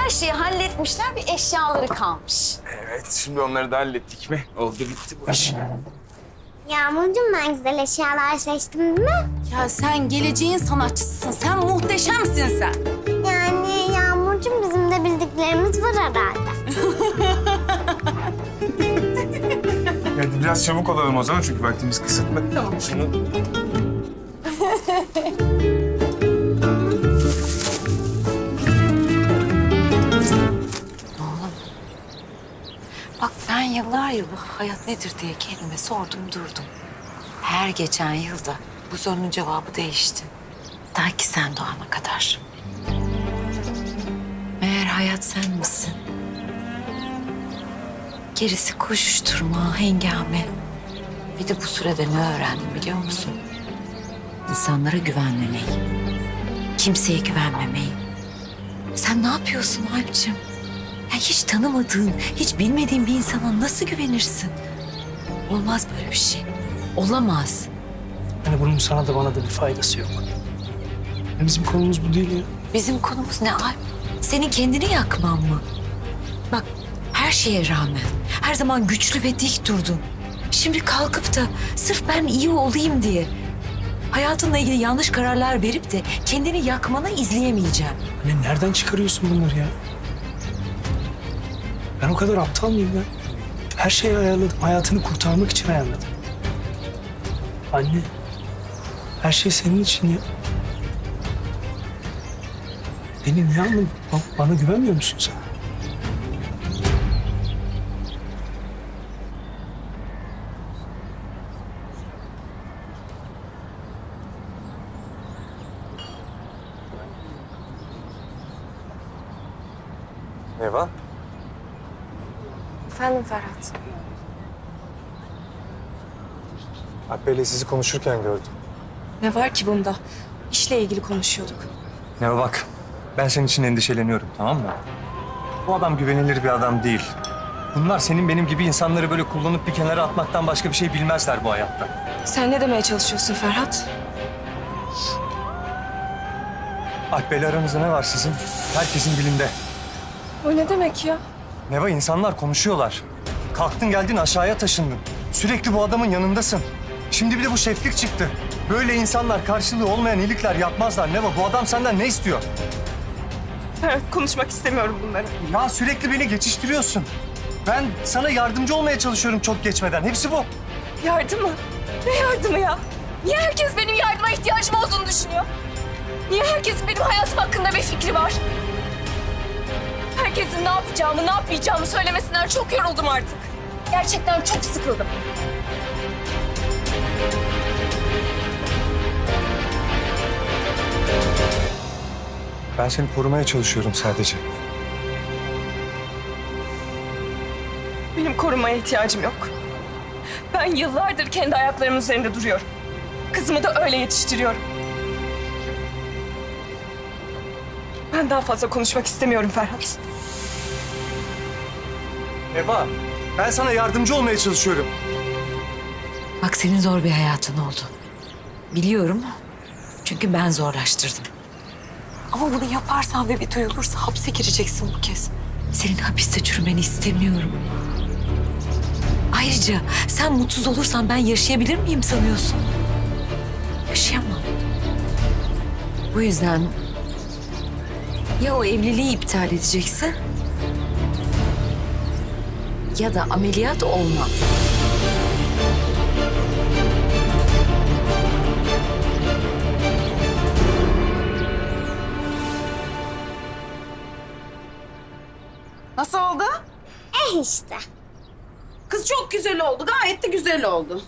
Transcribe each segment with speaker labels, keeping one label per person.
Speaker 1: her şeyi halletmişler, bir eşyaları kalmış.
Speaker 2: Evet, şimdi onları da hallettik mi? Oldu bitti bu iş.
Speaker 3: Yağmurcuğum ben güzel eşyalar seçtim değil mi?
Speaker 1: Ya sen geleceğin sanatçısısın, sen muhteşemsin sen.
Speaker 3: Yani Yağmurcuğum bizim de bildiklerimiz var herhalde.
Speaker 2: Hadi biraz çabuk olalım o zaman çünkü vaktimiz kısıtlı. Tamam. Şunu...
Speaker 1: Bak ben yıllar yılı hayat nedir diye kendime sordum durdum. Her geçen yılda bu sorunun cevabı değişti. Ta ki sen doğana kadar. Meğer hayat sen misin? Gerisi koşuşturma, hengame. Bir de bu sürede ne öğrendim biliyor musun? İnsanlara güvenmemeyi, kimseye güvenmemeyi. Sen ne yapıyorsun Alp'ciğim? Ya hiç tanımadığın, hiç bilmediğin bir insana nasıl güvenirsin? Olmaz böyle bir şey. Olamaz.
Speaker 4: Hani bunun sana da bana da bir faydası yok. Ya bizim konumuz bu değil ya.
Speaker 1: Bizim konumuz ne Alp? Senin kendini yakman mı? Bak her şeye rağmen her zaman güçlü ve dik durdun. Şimdi kalkıp da sırf ben iyi olayım diye hayatınla ilgili yanlış kararlar verip de kendini yakmanı izleyemeyeceğim.
Speaker 4: Hani nereden çıkarıyorsun bunları ya? Ben o kadar aptal mıyım ya? Her şeyi ayarladım. Hayatını kurtarmak için ayarladım. Anne, her şey senin için ya. Beni niye anladın? Bana güvenmiyor musun sen?
Speaker 2: Eva?
Speaker 5: Efendim Ferhat.
Speaker 6: Alp Bey'le sizi konuşurken gördüm.
Speaker 5: Ne var ki bunda? İşle ilgili konuşuyorduk.
Speaker 6: Ya bak, ben senin için endişeleniyorum, tamam mı? Bu adam güvenilir bir adam değil. Bunlar senin benim gibi insanları böyle kullanıp bir kenara atmaktan başka bir şey bilmezler bu hayatta.
Speaker 5: Sen ne demeye çalışıyorsun Ferhat?
Speaker 6: Alp Bey'le aranızda ne var sizin? Herkesin dilinde.
Speaker 5: O ne demek ya?
Speaker 6: Neva, insanlar konuşuyorlar. Kalktın geldin aşağıya taşındın. Sürekli bu adamın yanındasın. Şimdi bir de bu şeflik çıktı. Böyle insanlar karşılığı olmayan iyilikler yapmazlar Neva. Bu adam senden ne istiyor?
Speaker 5: Ferhat konuşmak istemiyorum bunları.
Speaker 6: Ya sürekli beni geçiştiriyorsun. Ben sana yardımcı olmaya çalışıyorum çok geçmeden. Hepsi bu.
Speaker 5: Yardım mı? Ne yardımı ya? Niye herkes benim yardıma ihtiyacım olduğunu düşünüyor? Niye herkesin benim hayatım hakkında bir fikri var? Herkesin ne yapacağımı, ne yapmayacağımı söylemesinden çok yoruldum artık. Gerçekten çok sıkıldım.
Speaker 6: Ben seni korumaya çalışıyorum sadece.
Speaker 5: Benim korumaya ihtiyacım yok. Ben yıllardır kendi ayaklarımın üzerinde duruyorum. Kızımı da öyle yetiştiriyorum. Ben daha fazla konuşmak istemiyorum Ferhat.
Speaker 6: Eva, ben sana yardımcı olmaya çalışıyorum.
Speaker 1: Bak senin zor bir hayatın oldu. Biliyorum. Çünkü ben zorlaştırdım. Ama bunu yaparsan ve bir duyulursa hapse gireceksin bu kez. Senin hapiste çürümeni istemiyorum. Ayrıca sen mutsuz olursan ben yaşayabilir miyim sanıyorsun? Yaşayamam. Bu yüzden ya o evliliği iptal edeceksin ya da ameliyat olma.
Speaker 7: Nasıl oldu?
Speaker 3: İşte.
Speaker 7: Kız çok güzel oldu. Gayet de güzel oldu.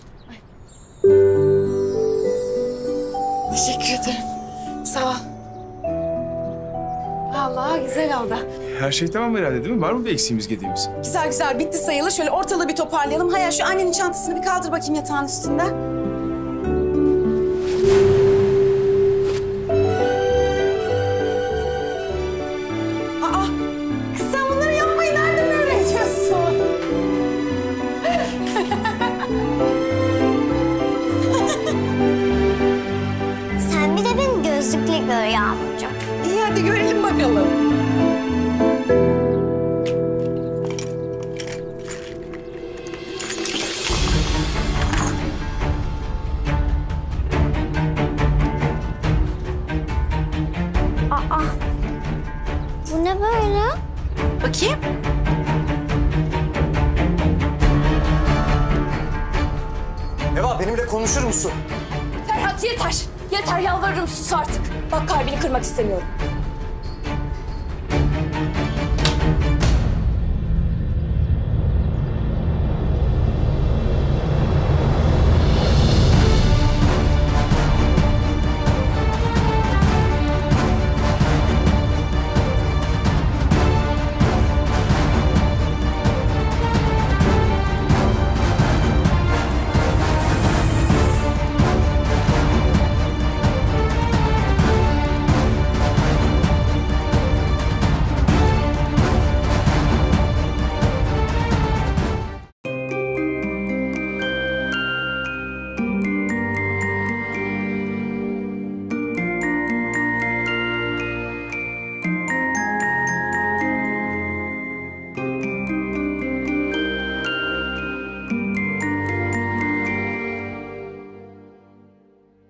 Speaker 7: Teşekkür ederim. Sağ ol. Vallahi güzel oldu.
Speaker 2: Her şey tamam herhalde değil mi? Var mı bir eksiğimiz gediğimiz?
Speaker 7: Güzel güzel bitti sayılır. Şöyle ortalığı bir toparlayalım. Hayal şu annenin çantasını bir kaldır bakayım yatağın üstünden. Aa, kız sen bunları yapmayı nereden öğreniyorsun?
Speaker 3: Sen bir de beni gözlükle gör Yağmurcuğum.
Speaker 7: İyi hadi görelim bakalım.
Speaker 3: Bu ne böyle?
Speaker 1: Bakayım.
Speaker 6: Eva benimle konuşur musun?
Speaker 5: Ferhat yeter. Yeter yalvarırım sus artık. Bak kalbini kırmak istemiyorum.